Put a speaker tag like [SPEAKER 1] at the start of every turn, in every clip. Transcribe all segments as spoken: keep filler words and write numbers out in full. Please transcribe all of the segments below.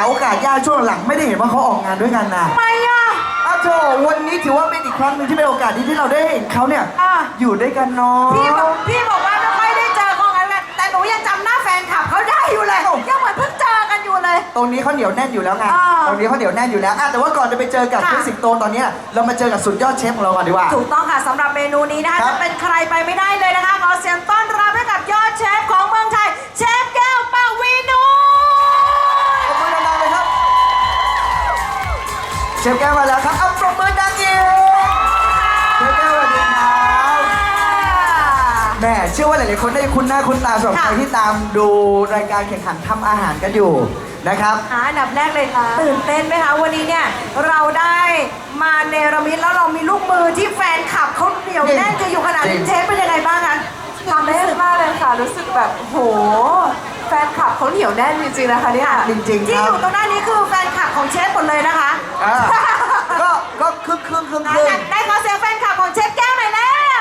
[SPEAKER 1] โอกาสยากช่วงหลังไม่ได้เห็นว่าเขาออกงานด้วยกันนะ
[SPEAKER 2] ทำไมอ่ะ
[SPEAKER 1] อ้าวโถวันนี้ถือว่าเป็นอีกครั้งหนึ่งที่เป็นโอกาสดีที่เราได้เห็นเขาเนี่ย
[SPEAKER 2] อ่ะ
[SPEAKER 1] อยู่ด้วยกันเนาะ
[SPEAKER 2] พี่บอกพี่บอกว่าไม่ค่อยได้เจอเขากันแหละแต่หนูยังจำหน้าแฟนคลับเขาได้อยู่เลยยังเหมือนเพิ่งเจอกันอยู่เลย
[SPEAKER 1] ตรงนี้เขาเหนียวแน่นอยู่แล้วไง
[SPEAKER 2] อ่า
[SPEAKER 1] ตรงนี้เขาเหนียวแน่นอยู่แล้วอ่ะแต่ว่าก่อนจะไปเจอกับ
[SPEAKER 2] ค่ะ
[SPEAKER 1] พี่สิงโตตอนนี้เรามาเจอกับสุดยอดเชฟของเราก่อนดีกว่า
[SPEAKER 2] ถูกต้องค่ะสำหรับเมนูนี้นะคะ
[SPEAKER 1] ครับ
[SPEAKER 2] จะเป็นใครไปไม่ได้เลยนะคะขอเสียงต้อนรับให้กับยอดเชฟของเมืองไทยเชฟแก้วปวีนู
[SPEAKER 1] ขอบคุณดังๆเลยครับเชฟแก้วมาแล้วครับเอาปรบมือดังอีกเชฟแก้วสวัสดีครับแหม่เชื่อว่าหลายๆคนได้คุ้นหน้าคุ้นตาสำหรับใครที่ตามดูรายการแข่งขันทำอาหารกันอยู่นะครับ
[SPEAKER 2] อ่าอันดับแรกเลยตื่นเต้นไหมคะวันนี้เนี่ยเราได้มาเนรมิตแล้วเรามีลูกมือที่แฟนคลับเขาเหนียวแน่นกันอยู่ขนาด
[SPEAKER 1] จริ
[SPEAKER 2] นี้
[SPEAKER 1] ง
[SPEAKER 2] เชฟเป็นยังไงบ้างคะทำได้มากเลยค่ะรู้สึกแบบโหแฟนคลับเขาเหนียวแน่นจริงๆนะคะเนี่ย
[SPEAKER 1] จริงๆ
[SPEAKER 2] ที่
[SPEAKER 1] ค
[SPEAKER 2] อ
[SPEAKER 1] รับ
[SPEAKER 2] ยู่ตรงหน้านี้คือแฟนคลับของเชฟหมดเลยนะคะ
[SPEAKER 1] อ่าก็ก็ครึ่งครึ่งครึ่ง
[SPEAKER 2] ไหน
[SPEAKER 1] ครึ่ง
[SPEAKER 2] ๆได้ขอเสียงแฟนคลับของเชฟแก้วหน่อยแล้ว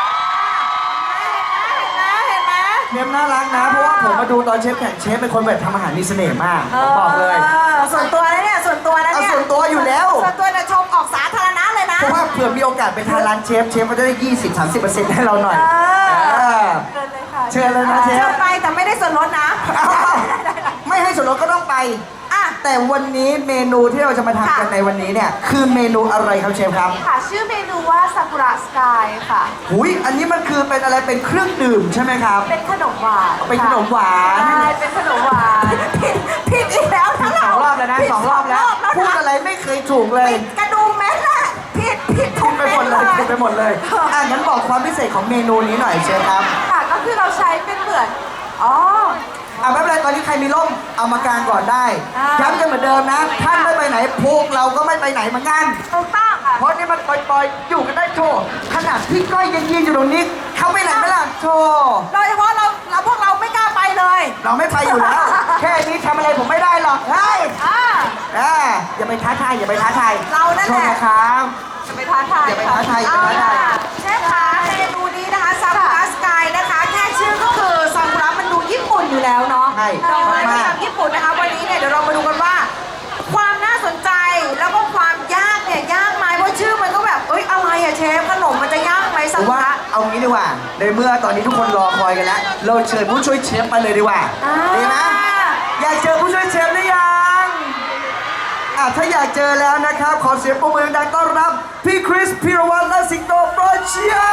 [SPEAKER 2] เห็นไหมเห็นไหม
[SPEAKER 1] เชฟน่ารักนะ เพราะว่าผมมาดูตอนเชฟแข่งเชฟเป็นคนแบบทำอาหารมีเสน่ห์มากผมบอกเลย
[SPEAKER 2] ออส่วนตัวนะเนี่ยส่วนตัวนะเนี่ย
[SPEAKER 1] เอาส่วนตัวอยู่แล้ว
[SPEAKER 2] ส่วนตัวเนี่ยชมออกสาธารณะเลยนะ
[SPEAKER 1] เพราะว่าเผื่อมีโอกาสไปทานร้านเชฟเชฟก็จะได้ ยี่สิบถึงสามสิบเปอร์เซ็นต์ ให้เราหน่อย
[SPEAKER 2] เออ
[SPEAKER 1] เออ
[SPEAKER 2] เชิญเลยค่ะ
[SPEAKER 1] เชิญเลยนะเชฟ
[SPEAKER 2] เชิญไปแต่ไม่ได้ส่วนลดนะ
[SPEAKER 1] อ้าวไม่ให้ส่วนลดก็ต้องไป
[SPEAKER 2] อ่ะ
[SPEAKER 1] แต่วันนี้เมนูที่เราจะมาทำกัน
[SPEAKER 2] ค่ะ
[SPEAKER 1] ในวันนี้เนี่ยคือเมนูอะไรครับเชฟครับ
[SPEAKER 3] ค่ะชื่อเมนูว่าซากุระสกายค่ะ
[SPEAKER 1] หุยอันนี้มันคือเป็นอะไรเป็นเครื่องดื่มใช่ไหมครับ
[SPEAKER 3] เป็นขนมหวาน
[SPEAKER 1] เป็นขนมหวาน
[SPEAKER 3] ใช่เป็นขนมหวาน
[SPEAKER 2] ผิดผิดอีกแล้วทั้ง
[SPEAKER 1] ส
[SPEAKER 2] เรา
[SPEAKER 1] องรอบแล้วนะ
[SPEAKER 2] ผิด
[SPEAKER 1] สองรอบแล้ว
[SPEAKER 2] สอง
[SPEAKER 1] พูด
[SPEAKER 2] นะ
[SPEAKER 1] อะไรไม่เคยถูกเลย
[SPEAKER 2] ผิดกระดุมแม้แหละผิดผิดทุ
[SPEAKER 1] ผิ
[SPEAKER 2] ก
[SPEAKER 1] ดไปหมดเลยผิดไปหมดเลยอ่ะงั้นบอกความพิเศษของเมนูนี้หน่อยเชฟครับ
[SPEAKER 3] ค่ะก็คือเราใช้เป็นเหมือนอ๋อ
[SPEAKER 1] อ่ะไม่เป็นไรตอนนี้ใครมีร่มเอามากางก่อนได้
[SPEAKER 2] อ่า
[SPEAKER 1] ย้ำกันเหมือนเดิมนะ ท่านไม่ไปไหนพวกเราก็ไม่ไปไหนเหมือนกัน
[SPEAKER 2] ถูกต้องค่ะ
[SPEAKER 1] เพราะนี่มันปล่อยๆอยู่กันได้โชว์ขนาดพี่ก้อยยังยืนอยู่ตรงนี้ เขาไปไหนไม่ล่ะโชว์
[SPEAKER 2] โดยเฉพาะเราเราพวกเราไม่กล้าไปเลย
[SPEAKER 1] เราไม่ไปอยู่แล้ว แค่นี้ทำอะไรผมไม่ได้หรอกเฮ้ย
[SPEAKER 2] อ่า
[SPEAKER 1] อ่าอย่าไปท้าทายอย่าไปท้าทาย
[SPEAKER 2] เรานั่นแหละ
[SPEAKER 1] โทษนะครับ
[SPEAKER 3] จะไปท้าทาย
[SPEAKER 1] อย่าไป
[SPEAKER 3] ค่ะ
[SPEAKER 1] ท้าทายอย่า
[SPEAKER 2] เอา
[SPEAKER 1] ไปท้า
[SPEAKER 2] ล่ะ
[SPEAKER 1] ทาย
[SPEAKER 2] เชฟคะเมนูนี้นะคะซากุระสกายนะคะแค่ชื่อก็คือซากุระมันดูญี่ปุ่นอยู่แล้วเนาะ
[SPEAKER 1] ใช่
[SPEAKER 2] ดอกไม้ประ
[SPEAKER 1] มาก
[SPEAKER 2] จำญี่ปุ่นนะคะวันนี้เนี่ยเดี๋ยวเรามาดูกันว่า ความน่าสนใจแล้วก็ความยากเนี่ยยากไหมเพราะชื่อมันก็แบบเอ้ยอะไรอะเชฟขนมมันจะยากไหม
[SPEAKER 1] ผ
[SPEAKER 2] ซาม กุ
[SPEAKER 1] ว่า
[SPEAKER 2] ระ
[SPEAKER 1] เอางี้ดีกว่า ในเมื่อตอนนี้ทุกคนรอคอยกันแล้ว เราเชิญผู้ช่วยเชฟมาเลยดีกว่า
[SPEAKER 2] อ่า
[SPEAKER 1] ดีไหมอยากเจอผู้ช่วยเชฟหรือยังอ่ะถ้าอยากเจอแล้วนะครับ ขอเสียงปรบมือดังต้อนรับ พี่คริสพีรวัตรและสิงโตโปรเชีย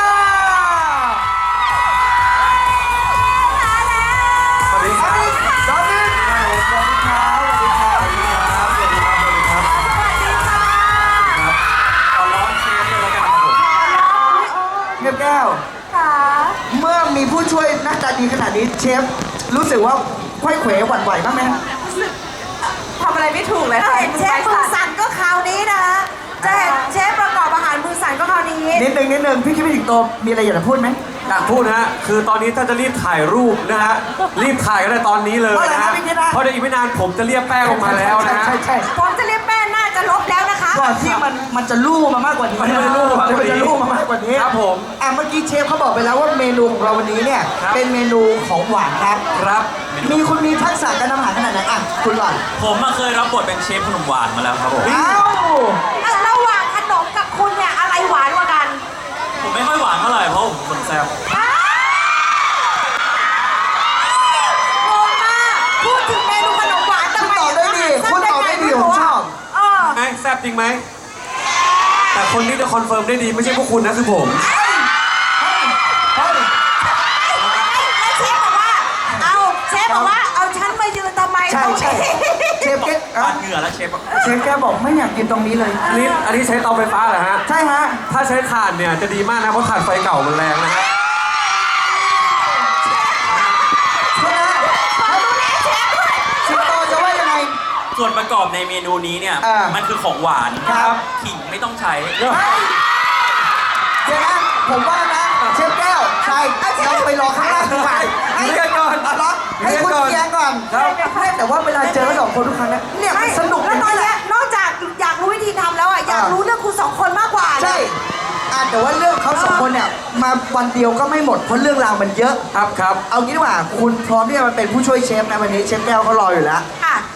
[SPEAKER 1] สวัสดีครับสวัสดีครับสวัสดีครับสวัสดีครับสวัสดีครับสวัสดีครับสวัสดีครับ
[SPEAKER 2] สวัสดีค่ะ
[SPEAKER 4] ขอร้องเชฟเลยแล้วกันครับผม
[SPEAKER 1] เงียบแก้ว
[SPEAKER 3] ค่ะ
[SPEAKER 1] เมื่อมีผู้ช่วยหน้าตาดีขนาดนี้เชฟรู้สึกว่าค่อยเขวหวั่นไหวบ้างไหม
[SPEAKER 3] ทำอะไรไม่ถูกเลย
[SPEAKER 2] ถ้า
[SPEAKER 3] ค่ะ
[SPEAKER 2] เห็นเชฟมือสั่นก็คราวนี้นะคะจะเห็นเชฟประกอบอาหารมือสั่นก็คราวนี้
[SPEAKER 1] นิดนึงนิดนึงพี่คิดไม่ถึงโตมีอะไรอยากจะพูดไหม
[SPEAKER 4] อยากพูดนะฮะ คือตอนนี้ถ้าจะรีบถ่ายรูปนะฮะ รีบถ่ายกันได้ตอนนี้เลยนะฮะ เพราะเดี๋ยวอีกไม่นานผมจะเรียกแป้งออกมาแล้วนะฮะ
[SPEAKER 1] ใช่ใช่
[SPEAKER 2] ผมจะเรียกแป้งน่าจะลบแล้วนะคะ
[SPEAKER 1] ก่อนที่มันมันจะลู่มามากกว่านี้
[SPEAKER 4] มันจะลู่มากกว่านี้
[SPEAKER 1] มันจะลู่มามากกว่านี้
[SPEAKER 4] ครับผม
[SPEAKER 1] อ่ะเมื่อกี้เชฟเขาบอกไปแล้วว่าเมนูของเราวันนี้เนี่ย
[SPEAKER 4] ครับ
[SPEAKER 1] เป็นเมนูของหวานครับ
[SPEAKER 4] ครับ
[SPEAKER 1] มีคุณมีทักษะการทำอาหารขนาดไหนอ่ะคุณก่อน
[SPEAKER 5] ผมมาเคยรับบทเป็นเชฟขนมหวานมาแล้วครับผม
[SPEAKER 1] อ้าว
[SPEAKER 2] ระหว่างขนมกับคุณเนี่ยอะไรหวานกว่ากัน
[SPEAKER 5] ผมไม่ค่อยหวานเท่าไหร่เพราะผมเป็นคนแซ่บ
[SPEAKER 2] อ้าวงงมากพูดถึงเมนูขนมหวานแต่
[SPEAKER 1] คุณ
[SPEAKER 2] ไม่
[SPEAKER 1] ตอบได้ดีคุณตอบได้ดีผมชอบ
[SPEAKER 2] เออ
[SPEAKER 4] ไงแซ่บจริงไหม แต่คนที่จะคอนเฟิร์มได้ดีไม่ใช่พวกคุณนะคือผม
[SPEAKER 1] เฮ้ยเฮ้ย
[SPEAKER 2] แล้วเชฟบอกว่า เอาเชฟบอกว่า เอาฉันมายืนทำไม
[SPEAKER 1] ใช่
[SPEAKER 2] ตรง
[SPEAKER 1] ใช่
[SPEAKER 2] นี้
[SPEAKER 1] เชฟเก๊ก
[SPEAKER 5] ปาดเหงื่อแล้วเชฟอะ
[SPEAKER 1] เชฟแกบอกไม่อยากกินตรงนี้เลย
[SPEAKER 4] อันนี้อันนี้ใช้เตาไฟฟ้าเหรอฮะ
[SPEAKER 1] ใช่ฮะ
[SPEAKER 4] ถ้าใช้ถ่านเนี่ยจะดีมากนะเพราะถ่านไฟเก่ามันแรงนะฮะ
[SPEAKER 1] โทษนะ
[SPEAKER 2] ขอดูนี้เชฟด้วย
[SPEAKER 1] สิงโตจะว่ายังไง
[SPEAKER 5] ส่วนประกอบในเมนูนี้เนี่ย
[SPEAKER 1] อ่ามั
[SPEAKER 5] มันคือของหวาน
[SPEAKER 1] ครับ
[SPEAKER 5] ขิงไม่ต้องใช้
[SPEAKER 1] เดี๋ยวนะผมว่านะเชฟแก้วใช่เราไปรอข้างล่างดีกว่าให้
[SPEAKER 4] เรียกก่อน
[SPEAKER 1] เอาละให้คุณ
[SPEAKER 4] เรียกก่อน
[SPEAKER 1] เคลียร์ก่อน
[SPEAKER 4] ครับ
[SPEAKER 1] ไม่แต่ว่าเวลาเจอกันสองคนทุกครั้งเนี่ยเนี่ยมันสนุก
[SPEAKER 2] แล้วตอน
[SPEAKER 1] แห
[SPEAKER 2] เนี้
[SPEAKER 1] ละ
[SPEAKER 2] ยนอกจากอยากรู้วิธีทำแล้วอ่ะ อยาก
[SPEAKER 1] อ่ารู้
[SPEAKER 2] รู้เรื่องคุณสองคนมากกว่า
[SPEAKER 1] ใช่อ่ะแต่ว่าเรื่องเขาสองคนเนี่ยมาวันเดียวก็ไม่หมดเพราะเรื่องราวมันเยอะ
[SPEAKER 4] ครับครับ
[SPEAKER 1] เอางี้ดีกว่าคุณพร้อมที่จะมาเป็นผู้ช่วยเชฟนะวันนี้เชฟแก้วเขารออยู่แล้ว
[SPEAKER 2] ค่ะ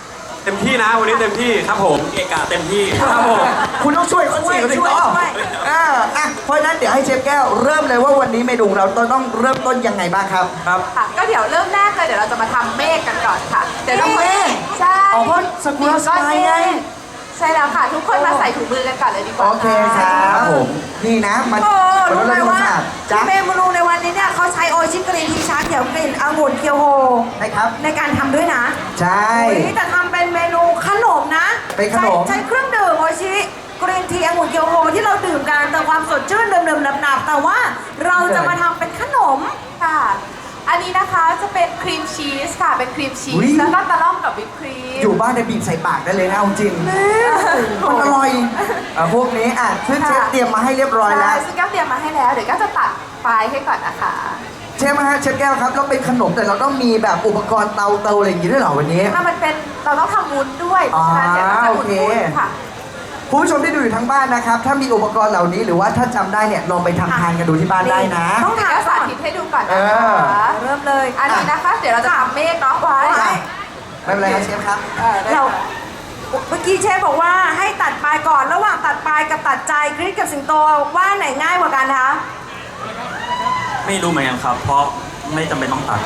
[SPEAKER 4] เต็มที่นะวันนี้เต็มที่ครับผม
[SPEAKER 5] เกะกะเต็มที่
[SPEAKER 4] ครับผม
[SPEAKER 1] คุณต้องช่วยเขาสิเขาถึงต้องเอออ่ะเพราะฉะนั้นเดี๋ยวให้เชฟแก้วเริ่มเลยว่าวันนี้เมนูเราต้องเริ่มต้นยังไงบ้างครับ
[SPEAKER 4] ครับ
[SPEAKER 3] ค่ะ ก็เดี๋ยวเริ่มแรกเลยเดี๋ยวเราจะมาทำเมฆกันก่อนค่ะ เดี๋ยวต้อง
[SPEAKER 1] เมฆ
[SPEAKER 3] ใช่
[SPEAKER 1] อ๋อเพราะสกุลสไตล์ไง
[SPEAKER 3] ใช่แล้วค่ะ ทุกคนมาใส่ถุงมือกันก่อนเลยดีกว่า
[SPEAKER 1] โอเคครับผมนี่นะมัน
[SPEAKER 2] โอ้
[SPEAKER 1] มัน
[SPEAKER 2] รู้
[SPEAKER 1] เริ่
[SPEAKER 2] ไหม
[SPEAKER 1] ม
[SPEAKER 2] ว่า
[SPEAKER 1] ชาติจ้ะ
[SPEAKER 2] เมนูในวันนี้เนี่ยเขาใช้โอชิกรีนทีชาเขียวกลิ่นองุ่นเคียวโฮ
[SPEAKER 1] นะครับ
[SPEAKER 2] ในการทำด้วยนะ
[SPEAKER 1] ใช่
[SPEAKER 2] นี่จะทำเป็นเมนูขนมนะ
[SPEAKER 1] เป็นขนม
[SPEAKER 2] ใช้ใช้เครื่องดื่มโอชิกรีนทีองุ่นเคียวโฮที่เราดื่มกันแต่ความสดชื่นเดิมๆหนับๆแต่ว่าเราจะมาทำเป็นขนม
[SPEAKER 3] ค่ะ อันนี้นะคะจะเป็นครีมชีสค่ะ เป็นครีมชีส แล้วก็ตะล่อมกับวิปครีม
[SPEAKER 1] อยู่บ้านในยบีบใส่ปากได้เลยนะเอาจริงมันอร่อยอ่ะพวกนี้อ่ะซึ่งเชฟเตรียมมาให้เรียบร้อยแล้ว
[SPEAKER 3] ใช่ซึ่งแก้วเตรียมมาให้แล้ว เดี๋ยวก็จะตัดปลายให้ก่อนนะคะ
[SPEAKER 1] เชฟฮะเชฟแก้วครับเราเป็นขนมแต่เราต้องมีแบบอุปกรณ์เตาเตาอะไรอย่างงี้ด้วยเหรอวันนี้
[SPEAKER 3] ถ้ามันเป็นเราต้องทำวุ้นด้วย เพราะฉะนั้นเดี๋ยวเราจะ
[SPEAKER 1] อ๋อ
[SPEAKER 3] อุ่
[SPEAKER 1] โอเค
[SPEAKER 3] นๆค่ะ
[SPEAKER 1] คุณผู้ชมที่ดูอยู่ทั้งบ้านนะครับ ถ้ามีอุปกรณ์เหล่านี้หรือว่าถ้าจำได้เนี่ยลองไปทำทานกันดูที่บ้านได้นะ
[SPEAKER 3] ต้องถามสาธิตให้ดูก่อนนะ
[SPEAKER 1] เอ
[SPEAKER 3] คะ
[SPEAKER 1] อ
[SPEAKER 3] เริ่มเลย อันนี้นะคะ เดี๋ยวเราจะทำเมฆเนาะไว้
[SPEAKER 1] จ้ะ ไม่เป็นไรครับเชฟครับ
[SPEAKER 3] เออได้
[SPEAKER 2] เรา
[SPEAKER 3] ค่ะ
[SPEAKER 2] เมื่อกี้เชฟบอกว่าให้ตัดปลายก่อนระหว่างตัดปลายกับตัดใจกรีดกับสิงโตว่าไหนง่ายกว่ากันคะ
[SPEAKER 5] ไม่รู้เหมือนกันครับ เพราะไม่จำเป็นต้องตัด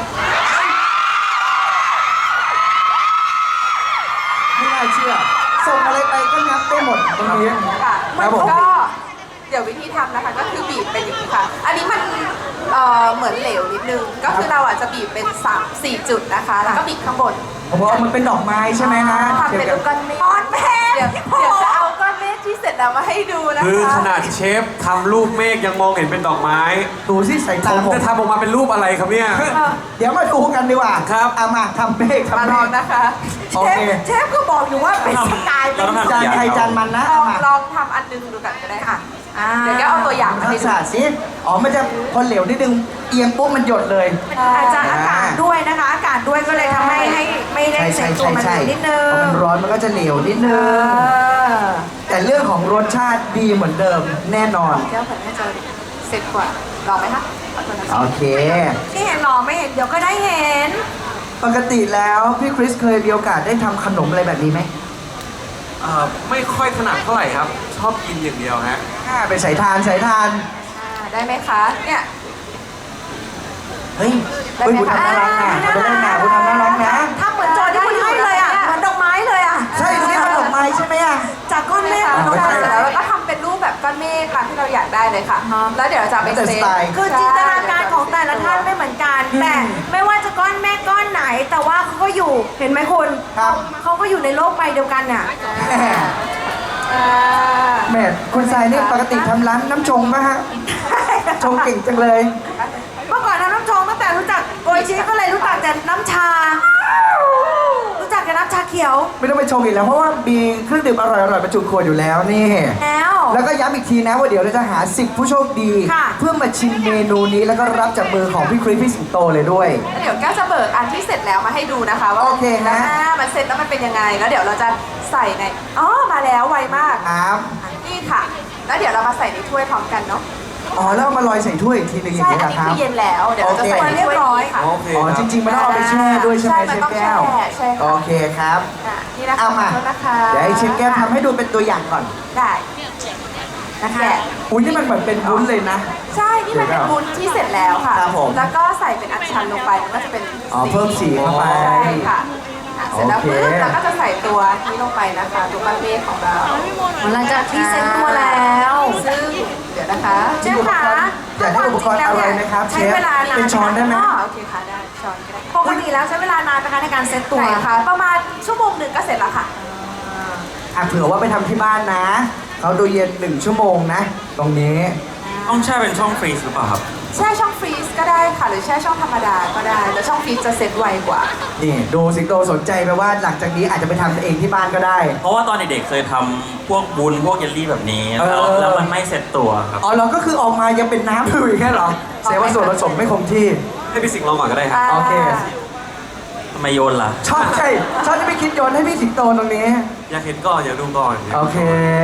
[SPEAKER 1] ไม่น่าเชื่อ ส่งอะไรไปก็งับได้หมดตรงนี้
[SPEAKER 3] ค่ะ
[SPEAKER 1] ครับผม
[SPEAKER 3] ก็เดี๋ยววิธีทำนะคะก็คือบีบเป็นอย่างนี้ค่ะ อันนี้มันเอ่อเหมือนเหลวนิดนึง ก็คือเราอาจจะบีบเป็นสามสี่จุดนะคะ แล้วก็บีบข้างบน
[SPEAKER 1] เพราะว่ามันเป็นดอกไม้ใช่ไหมฮะ
[SPEAKER 3] ทำเป็นลูกก้อนเมฆ
[SPEAKER 2] ก้อนเมฆ
[SPEAKER 3] เดี๋ยวเดี๋ยวจะเอาก้อนเมฆที่เสร็จแล้วมาให้ดูนะคะ
[SPEAKER 4] คือขนาดเชฟทำรูปเมฆยังมองเห็นเป็นดอกไม้
[SPEAKER 1] ดูสิสาย
[SPEAKER 4] ผ
[SPEAKER 1] ตาม ผม
[SPEAKER 4] จะทำออกมาเป็นรูปอะไรครับเนี่ย
[SPEAKER 1] เดี๋ยวมาดูกันดีกว่า
[SPEAKER 4] ครับ
[SPEAKER 1] เอามาทำเมฆ
[SPEAKER 3] มา
[SPEAKER 1] ทำเม
[SPEAKER 3] ลอง
[SPEAKER 1] ฆ
[SPEAKER 3] นะคะ
[SPEAKER 1] โอ
[SPEAKER 2] เช
[SPEAKER 1] เค
[SPEAKER 2] ฟเชฟก็บอกอยู่ว่าเป็นสไตล์เป็น
[SPEAKER 5] เราต้องทำ
[SPEAKER 1] จานใครจานมันนะ
[SPEAKER 3] ล
[SPEAKER 1] เอา
[SPEAKER 3] อง
[SPEAKER 1] มา
[SPEAKER 3] ลองทำอันนึงดูกันก็ได้ค่ะ
[SPEAKER 2] อ่า
[SPEAKER 3] เดี๋ยวแกเอาตัวอย่างมา
[SPEAKER 1] ทั
[SPEAKER 3] ให้
[SPEAKER 1] ก
[SPEAKER 3] ดู
[SPEAKER 1] ษะสิอ๋อมันจะพอเหลวนิดนึงเอียงปุ๊บมันหยดเลย
[SPEAKER 2] อาจจะอากาศด้วยนะคะ อากาศด้วยก็เลยทำให้ให้ไม่ได้
[SPEAKER 1] ใช่
[SPEAKER 2] เซ็
[SPEAKER 1] ใช่
[SPEAKER 2] ตตัว
[SPEAKER 1] ใช่
[SPEAKER 2] มัน
[SPEAKER 1] ใช่
[SPEAKER 2] นิดนึง
[SPEAKER 1] พอมันร้อนมันก็จะเหลวนิดนึ
[SPEAKER 2] เองอ
[SPEAKER 1] แต่เรื่องของรสชาติดีเหมือนเดิมแน่นอน
[SPEAKER 3] แก้วผลน่าจะเสร็จกว่าลองไหมคะขอโทษนะคะ
[SPEAKER 1] โอเค
[SPEAKER 2] ที่เห็นหรอไม่เห็นเดี๋ยวก็ได้เห็น
[SPEAKER 1] ปกติแล้วพี่คริสเคยมีโอกาสได้ทำขนมอะไรแบบนี้ไหม
[SPEAKER 4] เอ่อไม่ค่อยถนัดเท่าไหร่ครับ ชอบกินอย่างเดียวฮะ
[SPEAKER 1] อ่าไปสายทานสายทาน
[SPEAKER 3] อ่าได้ไหมคะ เนี่ย
[SPEAKER 1] เฮ้ยเฮ้ยคุณทำน่ารักนะคุณทำน่ารักคุณทำน่ารักนะ
[SPEAKER 2] ทำเหมือนโจทย์ที่คุณให้เลยอ่ะ เหมือนดอกไม้เลยอ่ะ
[SPEAKER 1] ใช่ตรงนี้มันดอกไม้ใช่ไหมอ่ะ
[SPEAKER 2] จากก้อนเมฆ
[SPEAKER 3] ค่ะ
[SPEAKER 2] ดอก
[SPEAKER 3] ใช่
[SPEAKER 2] ไม้
[SPEAKER 3] แล้วเราก็ทำเป็นรูปแบบก้อนเมฆตามที่เราอยากได้เลยค่ะ แล้วเดี๋ยวเราจะเอาไป
[SPEAKER 1] แต่
[SPEAKER 3] เซ
[SPEAKER 1] ส
[SPEAKER 3] ต
[SPEAKER 1] ไตล์
[SPEAKER 2] คือจินตนาการของแต่ละท่านไม่เหมือนกัน
[SPEAKER 1] อืม
[SPEAKER 2] แต่ไม่ว่าจะก้อนเมฆก้อนไหน แต่ว่าเขาก็อยู่ เห็นไหมคุณ
[SPEAKER 1] ครับ
[SPEAKER 2] เขาก็อยู่ในโลกใบเดียวกันน่ะ
[SPEAKER 1] แหม
[SPEAKER 3] อ่า
[SPEAKER 1] แหม่คุณทรายนี่ปกติทำร้านน้ำชงป่ะฮะ ชงเก่งจังเลย
[SPEAKER 2] เมื่อก่อนทำน้ำชงตั้งแต่รู้จักโออิชิก็เลยรู้จักแต่น้ำชา รู้จักแต่น้ำชาเขียว
[SPEAKER 1] ไม่ต้องไปชงอีกแล้วเพราะว่ามีเครื่องดื่มอร่อยๆประจุขวดอยู่แล้วนี่
[SPEAKER 2] แล้ว
[SPEAKER 1] แล้วก็ย้ำอีกทีนะว่าเดี๋ยวเราจะหาสิบผู้โชคดี
[SPEAKER 2] ค่ะ
[SPEAKER 1] เพื่อมาชิมเมนูนี้แล้วก็รับจากมือของพี่คริสพี่สิงโตเลยด้วย
[SPEAKER 3] แล้วเดี๋ยวแก้วจะเบิกอันที่เสร็จแล้วมาให้ดูนะคะ ว่า
[SPEAKER 1] โอเคฮะ
[SPEAKER 3] อ่ามันเสร็จแล้วมันเป็นยังไง แล้วเดี๋ยวเราจะใส่ใน อ๋อ มาแล้วไวมาก
[SPEAKER 1] ครับ
[SPEAKER 3] นี่ค่ะ แล้วเดี๋ยวเรามาใส่ในถ้วยพร้อมกันเนาะ
[SPEAKER 1] อ๋อแล้วเอามาลอยใส่ถ้วยอีกทีหนึงอย่า
[SPEAKER 3] ใช่
[SPEAKER 1] งนี้
[SPEAKER 3] อัน
[SPEAKER 1] นะ
[SPEAKER 3] นี้
[SPEAKER 1] ครับ
[SPEAKER 3] คือเย็นแล้ว เดี๋ยวเราจะใส่ในถ้วยนี้ค่ะ
[SPEAKER 4] โอเค
[SPEAKER 1] อ๋อ
[SPEAKER 4] ครับ
[SPEAKER 1] จริงๆมันต้องเอาไปแช่ด้วยใช่ไหม
[SPEAKER 3] ใช่
[SPEAKER 1] เช
[SPEAKER 3] มัน
[SPEAKER 1] ฟ
[SPEAKER 3] ต้อง
[SPEAKER 1] แก้ว
[SPEAKER 3] แช่ใช่ค่ะ
[SPEAKER 1] โอเคครับ
[SPEAKER 3] อ่ะนี่นะคะ
[SPEAKER 1] เอามา
[SPEAKER 3] ขอโทษนะคะ
[SPEAKER 1] เดี๋ยวให้เชฟแก้วทำให้ดูเป็นตัวอย่างก่อน
[SPEAKER 3] ได้
[SPEAKER 2] นะคะ
[SPEAKER 3] แกะ
[SPEAKER 1] อุ้ยนี่มันเหมือนเป็นวุ้นเลยนะ
[SPEAKER 3] ใช่ นี่มันเป็นวุ้นที่เสร็จแล้วค่ะ
[SPEAKER 1] ครับผม
[SPEAKER 3] แล้วก็ใส่เป็นอัญชันลงไป มันก็จะเป็น
[SPEAKER 1] อ๋อเพิ่มสีเข้าไป
[SPEAKER 3] ใช่ค่ะอ่ะ เสร็จแล้ว
[SPEAKER 1] โอเค
[SPEAKER 3] ปุ๊บเราก็จะใส่ตัวนี้ลงไปนะคะ ตัวก้อนเมฆของเรา
[SPEAKER 2] หลังจากที่เซ็ตตัวแล้ว
[SPEAKER 3] ซึ่งเดี๋ยวนะคะ
[SPEAKER 2] เชฟคะ
[SPEAKER 1] อยากได้อุปกรณ์อะไรไหมครับเช
[SPEAKER 2] ใช้
[SPEAKER 1] ฟ
[SPEAKER 2] เวลานาน
[SPEAKER 1] เป็นช้อนได้ไหม
[SPEAKER 3] อ๋อโอเคค่ะ ได้ ช้อนก็ได้
[SPEAKER 2] ปกติแล้วใช้เวลานานนะคะในการเซ็ตตัว
[SPEAKER 3] ไหนคะประมาณชั่วโมงหนึ่งก็เสร็จแล้วค่ะ
[SPEAKER 1] อ่ะเผื่อว่าไปทำที่บ้านนะเขาดูเย็นหนึ่งชั่วโมงนะ ตรงนี้
[SPEAKER 5] ต้องแช่เป็นช่องฟรีซหรือเปล่าครับ
[SPEAKER 3] แช่ช่องฟรีซก็ได้ค่ะ หรือแช่ช่องธรรมดาก็ได้ แต่ช่องฟรีซจะเสร็จไวกว่า
[SPEAKER 1] นี่ดูสิงโตสนใจไปว่าหลังจากนี้อาจจะไปทำเองที่บ้านก็ได้
[SPEAKER 5] เพราะว่าตอนเด็กๆเคยทำพวกบุญพวกเยลลี่แบบนี้
[SPEAKER 1] เออ
[SPEAKER 5] แล้วแล้วมันไม่เสร็จตัวครับ
[SPEAKER 1] อ๋อเราก็คือออกมายังเป็นน้ำอยู่อย่างนี้เหรอแสดงว่าส่วนผสมไม่คงที่
[SPEAKER 4] ให้พี่สิงห์ลองก่อนก็ได้ครับ
[SPEAKER 1] โอเค
[SPEAKER 5] ทำไมโยนล่ะ
[SPEAKER 1] ชอบใช่ชอบที่พี่คิดโยนให้พี่สิงโตตรงนี้
[SPEAKER 4] อยากเห็นก่อนอยากดูก่อน
[SPEAKER 1] โอเค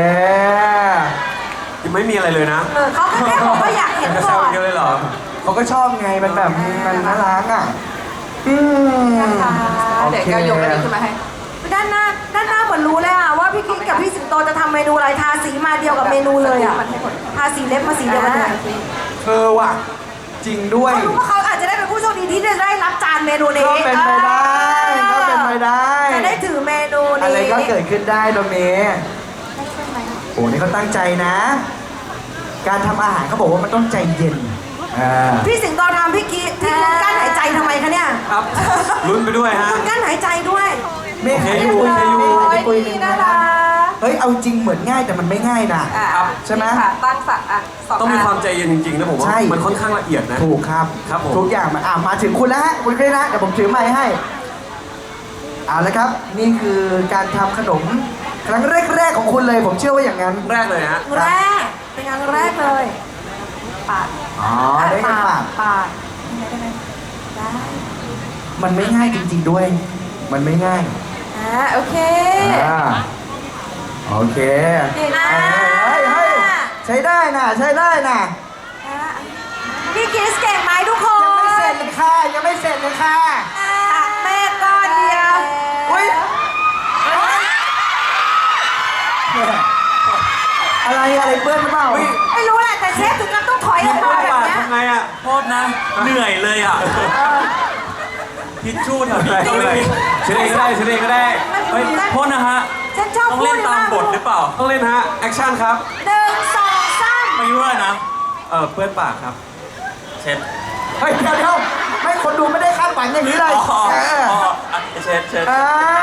[SPEAKER 4] ยังไม่มีอะไรเลยนะ
[SPEAKER 2] เออเขาก็แค่บอกว่าอยากเห็น
[SPEAKER 4] จะแซ
[SPEAKER 2] ก่
[SPEAKER 4] ว
[SPEAKER 2] อน
[SPEAKER 4] เยอะเลยเหรอ
[SPEAKER 1] เขาก็ชอบไงมันแบบมันน่ารักอ่ะอืม
[SPEAKER 3] นะคะ
[SPEAKER 1] โอ
[SPEAKER 3] เดี๋ยว
[SPEAKER 1] เค
[SPEAKER 3] แก้วยกอันนี้ขึ้นมาให้
[SPEAKER 2] ด้านหน้าด้านหน้าเหมือนรู้เลยอะว่าพี่กิ๊กกับพี่สิงโตจะทำเมนูอะไรทาสีมาเดียวกับเมนูเลยอะทาสีเล็บมาสีเดียวกันเลย
[SPEAKER 1] เธอว่ะจริงด้วย
[SPEAKER 2] เขารู้ว่าเขาอาจจะได้เป็นผู้โชคดีที่จะได้รับจานเมนูนี้
[SPEAKER 1] ก็เป็นไปได้ก็เป็นไปได้
[SPEAKER 2] จะได้ถือเมนูนี้
[SPEAKER 1] อะไรก็เกิดขึ้นได้ตรงนี้โอ้นี่เขาตั้งใจนะ การทำอาหารเขาบอกว่ามันต้องใจเย็นอ่า
[SPEAKER 2] พี่สิงโตทำพี่กิ๊กที่คุณกั้นหายใจทำไมคะเนี่ย
[SPEAKER 4] ครับลุ้นไปด้วยฮะ
[SPEAKER 2] คุณกั้นหายใจด้วย
[SPEAKER 1] เมฆ
[SPEAKER 4] โอเคอยู่โอเคอยู่
[SPEAKER 1] เมฆ
[SPEAKER 3] โอ้
[SPEAKER 1] ให้
[SPEAKER 3] ย
[SPEAKER 1] ปุยห
[SPEAKER 3] ดี
[SPEAKER 1] นึ่ง
[SPEAKER 3] นะ
[SPEAKER 1] นะค
[SPEAKER 3] คะ
[SPEAKER 1] รับเฮ้ยเอาจริงเหมือนง่ายแต่มันไม่ง่ายนะ
[SPEAKER 3] อ่ะ
[SPEAKER 1] ใช่ไหม
[SPEAKER 3] นี่ค่ะตั้งสักอ่ะสอง
[SPEAKER 4] ต้องมี
[SPEAKER 3] น
[SPEAKER 4] ความใจเย็นจริงๆนะผมว่า
[SPEAKER 1] ใช่
[SPEAKER 4] มันค่อนข้างละเอียดนะ
[SPEAKER 1] ถูกครับ
[SPEAKER 4] ครับผม
[SPEAKER 1] ทุกอย่างมันอ่ะมาถึงคุณแล้วฮะคุณคริสนะเดี๋ยวผมถือไม้ให้เอาละครับ นี่คือการทำขนมครั้งแรกๆของคุณเลย ผมเชื่อว่าอย่างนั้น
[SPEAKER 4] แรกเลยฮะ
[SPEAKER 2] แรกเป็นงานแรกเลยปาด
[SPEAKER 1] อ๋อได้กันปาก
[SPEAKER 2] ปาดได้ไหมได้
[SPEAKER 1] มันไม่ง่ายจริง ๆด้วย มันไม่ง่าย
[SPEAKER 3] อ่าโอเค
[SPEAKER 1] อ่าโอเค
[SPEAKER 3] เก่งมาก
[SPEAKER 1] เฮ้ยเฮ้ยใช้ได้นะใช้ได้นะ
[SPEAKER 2] พี่กิ๊กเก่งไหมทุกค
[SPEAKER 1] ยังไม่เสร็
[SPEAKER 2] น
[SPEAKER 1] จเลยค่ะยังไม่เสร็จเลยค่ะ
[SPEAKER 2] ตักเมฆก้อนเดียว
[SPEAKER 1] อุ้ยอะไรอะไรเปื้อนหรือเปล่า
[SPEAKER 4] เฮ้ย
[SPEAKER 2] ไม่รู้แหละแต่เชฟถึงกับต้องถอยออกมาแบบเนี้ย
[SPEAKER 5] ทำไงอ่ะโทษนะ เหนื่อยเลยอ่ะทิชชู่แถวนี้ก็ไม่มี
[SPEAKER 4] เชนเองก็ได้เชนเองก็ได้
[SPEAKER 5] เฮ้ยโทษนะฮะ
[SPEAKER 2] ฉันชอบ
[SPEAKER 5] ต้อง
[SPEAKER 2] พู
[SPEAKER 5] เล่
[SPEAKER 2] ด
[SPEAKER 5] นตามบทหรือเปล่า
[SPEAKER 4] ต้องเล่นฮะ แอคชั่นครับ
[SPEAKER 2] หนึ่งสองสาม
[SPEAKER 5] ไม่รู้เลยนะ เออเปื้อนปากครับ เช็ด
[SPEAKER 1] เฮ้ยเดี๋ยวเดี๋ยวไม่คนดูไม่ได้คาดหวังอย่างนี้เลย
[SPEAKER 5] อ๋อ
[SPEAKER 1] เออ
[SPEAKER 5] อ๋ออ่ะเช็ดเช็ด
[SPEAKER 1] อ้าว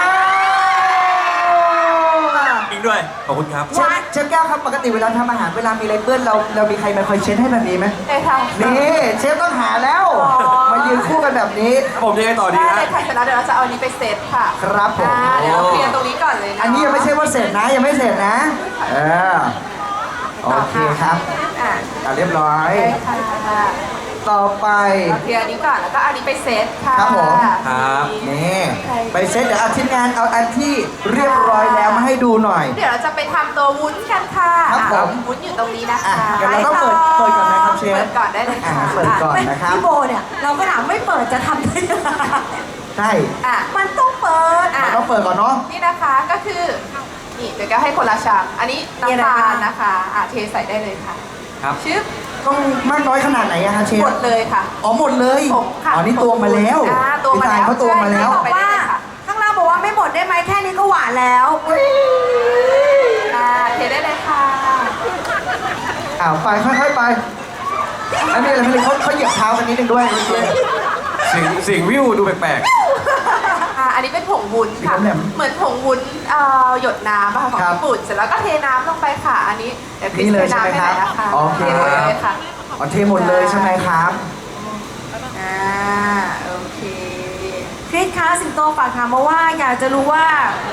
[SPEAKER 5] อิงด้วย ขอบคุณครับ
[SPEAKER 1] เชฟเชฟแก้วครับปกติเวลาทำอาหารเวลามีอะไรเปื้อนเราเรามีใครมาคอยเช็ดให้แบบนี้ไหม
[SPEAKER 3] ได้ค่ะ
[SPEAKER 1] นี่เชฟต้องหาแล้ว มายืนคู่กันแบบนี้
[SPEAKER 4] ผมยังไงต่อดี
[SPEAKER 3] ได้
[SPEAKER 4] ฮะ
[SPEAKER 3] เลยค่ะเสร็จแล้วเดี๋ยวเราจะเอาอันนี้ไปเซตค่ะ
[SPEAKER 1] ครับผม
[SPEAKER 3] อ่าเดี๋ยวเราเคลียร์ตรงนี้ก่อนเลยนะ
[SPEAKER 1] อันนี้ยังไม่ใช่ว่าเสร็จนะยังไม่เสร็จนะเออโอเคครับ
[SPEAKER 3] อ่า
[SPEAKER 1] อ่ะเรียบร้อย
[SPEAKER 3] ได้ค่ะ
[SPEAKER 1] ต่อไป
[SPEAKER 3] เราเคลียร์อันนี้ก่อนแล้วก็เอาอันนี้ไปเซตค่ะ
[SPEAKER 1] ครับผม
[SPEAKER 4] ครับ
[SPEAKER 1] นี่ไปเซตเดี๋ยวเอาทีมงานเอาอันที่เรียบร้อยแล้วมาให้ดูหน่อย
[SPEAKER 3] เดี๋ยวเราจะไปทำตัววุ้นกันค่ะ
[SPEAKER 1] ครับผม
[SPEAKER 3] อ่ะวุ้นอยู่ตรงนี้นะ
[SPEAKER 1] อ่ะ
[SPEAKER 3] คะ
[SPEAKER 1] เดี๋ยวเราต้องเปิดเปิดก่อนนะครับเชฟ
[SPEAKER 3] เปิดก่อนได้เลย
[SPEAKER 1] อ่ะ
[SPEAKER 3] ค่ะ
[SPEAKER 1] เปิดก่อนนะครับ
[SPEAKER 2] พี่โบเนี่ยเราก็ถามไม่เปิดจะทำได้ยังไง
[SPEAKER 1] ใช่
[SPEAKER 3] อ่ะ
[SPEAKER 2] มันต้องเปิด
[SPEAKER 3] อ่ะ
[SPEAKER 1] เราต้องเปิดก่อนเนาะ
[SPEAKER 3] นี่นะคะก็คือนี่เดี๋ยวก็ให้คนละชามอันนี้
[SPEAKER 2] มีอะไร
[SPEAKER 3] น้ำตา
[SPEAKER 2] บ้า
[SPEAKER 3] ล
[SPEAKER 2] ง
[SPEAKER 3] นะคะอ่ะเทใส่ได้เลยค่ะ
[SPEAKER 4] ครับ
[SPEAKER 3] ชึบ
[SPEAKER 1] ต้องมากน้อยขนาดไหนอะคะเชฟ
[SPEAKER 3] หมดเลยค่ะ
[SPEAKER 1] อ๋อหมดเลย
[SPEAKER 3] ผมค่ะ
[SPEAKER 1] อ๋อนี่ตวงมาแล้ว
[SPEAKER 3] อ่าตวงมาแล้ว
[SPEAKER 1] พี่ตายเขาตวงมาแล้ว
[SPEAKER 3] ใช่
[SPEAKER 2] บอกว่าข้างล่างบอกว่าไม่หมดได้ไหมแค่นี้ก็หวานแล้ว
[SPEAKER 3] อ่าเทได้เลยค่ะ
[SPEAKER 1] อ้าวไปค่อยๆไปไม่มีอะไรไม่เลยเขาเขาเหยียบเท้ากันนิดนึงด้วยเมื่อกี้
[SPEAKER 4] เสียงเสียงวิวดูแปลก
[SPEAKER 3] อ่าอันนี้เป็นผงวุ้นค่ะ
[SPEAKER 1] สีแหลม
[SPEAKER 3] เหมือนผงวุ้นเอ่อหยดน้ำอะค่ะของ
[SPEAKER 1] ครับ
[SPEAKER 3] ญี่ปุ่นเสร็จแล้วก็เทน้ำลงไปค่ะ อันนี้เดี๋ยวคริส
[SPEAKER 1] นี่เลย
[SPEAKER 3] เทน้ำ
[SPEAKER 1] ใช่ไหม
[SPEAKER 3] ให้ห
[SPEAKER 1] ครั
[SPEAKER 3] น่อบ ยนะคะ
[SPEAKER 1] โอเค
[SPEAKER 3] เทหมดเลยค่ะ
[SPEAKER 1] อ๋อเทหมดเลยใช่ไหมครับ
[SPEAKER 3] อ่าโอเค
[SPEAKER 2] คริสคะสิงโตฝากถามมาว่าอยากจะรู้ว่า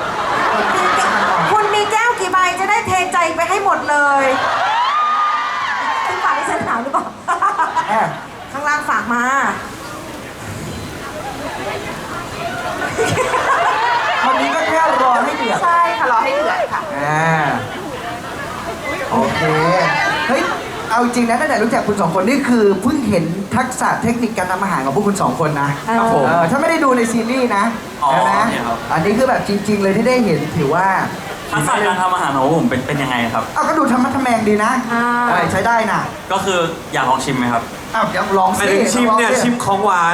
[SPEAKER 2] คุณมีแก้วกี่ใบจะได้เทใจไปให้หมดเลยคุณฝากให้ฉันถามหรือเปล่า
[SPEAKER 1] แอบ
[SPEAKER 2] ข้างล่างฝากมา
[SPEAKER 1] วันนี้ก็แค่รอให้เดือด
[SPEAKER 3] ใช่ค่ะรอให้เดือดค่ะ
[SPEAKER 1] อ่าโอเค เฮ้ย เอาจริงนะตั้งแต่รู้จักคุณสองคนนี่คือเพิ่งเห็นทักษะเทคนิคการทำอาหารของพวกคุณสองคนนะครับ
[SPEAKER 4] ผม
[SPEAKER 1] เออถ้าไม่ได้ดูในซีรีส์นะ
[SPEAKER 5] อ๋อ
[SPEAKER 1] ใช่ไหม
[SPEAKER 5] เนี่ยครับ
[SPEAKER 1] อันนี้คือแบบจริง ๆ เลยที่ได้เห็นถือว่า
[SPEAKER 5] ทักษะการทำอาหารของผมเป็นเป็นยังไงครับ
[SPEAKER 1] เอาก็ดูธรรมะทแมงดีนะ
[SPEAKER 2] อ่า
[SPEAKER 1] เออใช้ได้นะ
[SPEAKER 5] ก็คืออยากลองชิมไหมครับ
[SPEAKER 1] อ้าวเดี๋ยวลอง
[SPEAKER 4] ๆไป
[SPEAKER 1] สิ
[SPEAKER 4] ถึงชิมเนี่ย
[SPEAKER 1] ลองสิ
[SPEAKER 4] ชิมของหวาน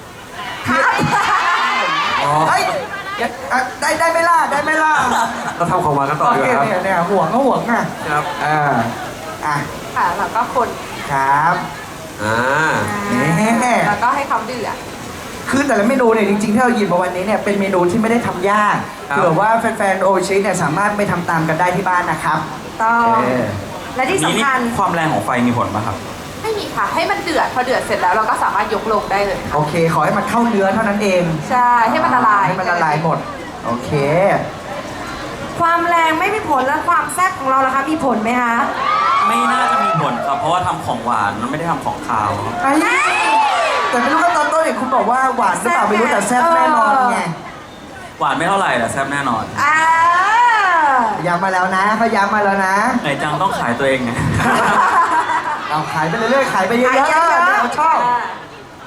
[SPEAKER 4] อ๋อ
[SPEAKER 1] เฮ้ยเดี๋ยวอ่ะได้ได้ไหม่ล่ะได้ไหม่ล่ะ
[SPEAKER 4] เราทำของหวานกันต่อ
[SPEAKER 1] โอ
[SPEAKER 4] ดีก
[SPEAKER 1] เค
[SPEAKER 4] ว่าครับ
[SPEAKER 1] เนี่ยเนี่ยห่วงก็ห่วงอ่ะ
[SPEAKER 4] ครับ
[SPEAKER 1] อ่าอ่ะ
[SPEAKER 3] ค่ะแล้วก็คน
[SPEAKER 1] ครับ
[SPEAKER 4] อ่า
[SPEAKER 1] แน่
[SPEAKER 3] แล้วก็ให้เขาเดือด
[SPEAKER 1] คือแต่ละเมนูเนี่ยจริงๆที่เราหยิบมาวันนี้เนี่ยเป็นเมนูที่ไม่ได้ทำยาก
[SPEAKER 4] ครับ
[SPEAKER 1] เผื่อว่าแฟนๆโอชิเนี่ยสามารถไปทำตามกันได้ที่บ้านนะครับ
[SPEAKER 2] ต้อง
[SPEAKER 1] เออ
[SPEAKER 2] และที่
[SPEAKER 5] นี่
[SPEAKER 2] สำคัญ
[SPEAKER 5] นี่ความแรงของไฟมีผลป่ะครับ
[SPEAKER 3] ไม่มีค่ะ ให้มันเดือด พอเดือดเสร็จแล้วเราก็สามารถยกลงได้เลย
[SPEAKER 1] โอเค ขอให้มันเข้าเนื้อเท่านั้นเอง
[SPEAKER 3] ใช่ ให้มันละลาย
[SPEAKER 1] ให้มันละลายหมด โอเค
[SPEAKER 2] ความแรงไม่มีผลและความแซ่บของเราล่ะคะมีผลไหมคะ
[SPEAKER 5] ไม่น่าจะมีผลครับ เพราะว่าทำของหวานมันไม่ได้ทำของคาวครับ
[SPEAKER 1] ไอ้แต่ไม่รู้ว่าตอนต้นเนี่ยคุณบอกว่าหวานหรือเปล่าไม่รู้แต่แซ่บแน่นอนไง
[SPEAKER 5] หวานไม่เท่าไหร่แต่แซ่บแน่นอน
[SPEAKER 2] อ่า
[SPEAKER 1] ย้ำมาแล้วนะเขาย้ำมาแล้วนะ
[SPEAKER 5] ไหนจังต้องขายตัวเองไง
[SPEAKER 1] เอาขายไปเรื่อยๆขายไปเยอะๆ
[SPEAKER 2] ขายเยอะๆ
[SPEAKER 1] เราชอบ
[SPEAKER 3] ค่ะ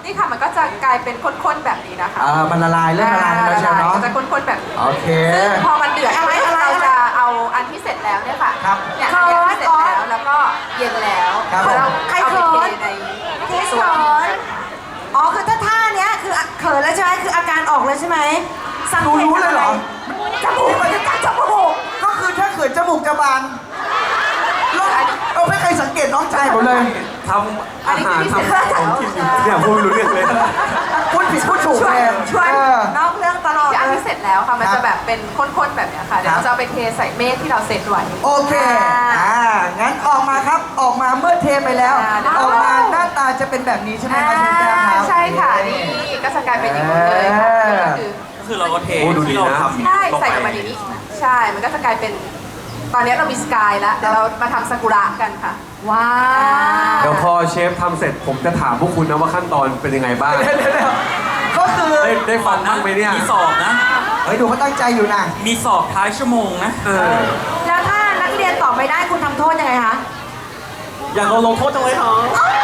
[SPEAKER 3] นี่ค่ะมันก็จะกลายเป็นข้นๆแบบนี้นะคะ
[SPEAKER 1] อ่ามันละลายเริ่มละลายแล้วใช่ไหมเนาะ
[SPEAKER 3] จะข้นๆแบบนี้
[SPEAKER 1] โอเค
[SPEAKER 3] ซึ่งพอมันเดือด
[SPEAKER 2] อะไรอะไร
[SPEAKER 3] เราจะเอาอันที่เสร็จแล้วเนี่ยค่ะ
[SPEAKER 1] ครับ
[SPEAKER 3] เนี่ยอันเนี้ยที่เสร็จแล้วแล้วก็เย็นแล้ว
[SPEAKER 1] ครับ
[SPEAKER 3] เรา
[SPEAKER 2] ใคร
[SPEAKER 3] เอา
[SPEAKER 2] เขิ
[SPEAKER 3] ไป
[SPEAKER 2] น
[SPEAKER 3] เทใน
[SPEAKER 2] เทสเขินอ๋อคือถ้าท่าเนี้ยคือเขินแล้วใช่ไหมคืออาการออกเลยใช่ไหมสัง
[SPEAKER 1] ดู
[SPEAKER 2] เกต
[SPEAKER 1] รู้เลยเหรอ
[SPEAKER 2] จมูกมันจะกัดจมูก
[SPEAKER 1] ก็คือถ้าเขินจมูกจะบานแล้วเอาไม่เคยสังเกตน้องชายผมเลย
[SPEAKER 4] ทำอาหารทำของกินอยู่เนี่ยพูดไม่รู้เรื่องเลย
[SPEAKER 1] พูดผิดพูดถูก
[SPEAKER 2] ช่วย
[SPEAKER 1] แทน
[SPEAKER 2] ช่วย
[SPEAKER 1] เออ
[SPEAKER 2] นอกเรื่องตลอด
[SPEAKER 3] ที่อัน
[SPEAKER 2] เลย
[SPEAKER 3] ที่เสร็จแล้วค่ะมัน
[SPEAKER 1] ครั
[SPEAKER 3] จะ
[SPEAKER 1] บ
[SPEAKER 3] แบบเป็นข้นๆแบบเนี้ยค่ะเดี๋ยว
[SPEAKER 1] ครับ
[SPEAKER 3] เราจะเอาไปเทใส่เมฆที่เราเซตไว้
[SPEAKER 1] โอเค อ่า งั้นออกมาครับ ออกมาเมื่อเทไปแล้ว
[SPEAKER 3] อ่า
[SPEAKER 1] ออกมาหน้าตาจะเป็นแบบนี้ใช่ไหมครับเชฟแก้วครับ
[SPEAKER 3] ใช่ค่ะนี่ก็จะกลายเป็นอย่างนี้เลยค่ะ
[SPEAKER 1] เออ
[SPEAKER 3] ก็คือ
[SPEAKER 5] ก็คือเราก็เท
[SPEAKER 4] โอ้ดูดี
[SPEAKER 5] ที่เรา
[SPEAKER 4] นะ
[SPEAKER 5] ทำ
[SPEAKER 3] ใช่
[SPEAKER 5] ลง
[SPEAKER 3] ใส่
[SPEAKER 5] ไป
[SPEAKER 3] ลงมาในนี้ใช่มันก็จะกลายเป็นตอนนี้เรามีสกายแล้วเดี๋ยวเรามาทำซากุระกันค่ะ
[SPEAKER 2] ว้า
[SPEAKER 4] เดี๋ยวพอเชฟทำเสร็จผมจะถามพวกคุณนะว่าขั้นตอนเป็นยังไงบ้าง
[SPEAKER 1] เดี๋ยวเดี๋ยวเดี๋ยวก็คือ
[SPEAKER 4] ได้ได้ฟังบ้างไหมเนี่ย
[SPEAKER 5] มีสอบนะ
[SPEAKER 1] เฮ้ยดูเขาตั้งใจอยู่นะ
[SPEAKER 5] มีสอบท้ายชั่วโมงนะ
[SPEAKER 4] เออ
[SPEAKER 2] แล้วถ้านักเรียนตอบไม่ได้คุณทำโทษยังไงคะ
[SPEAKER 5] อยากโดนลงโทษจังเลยเหรอ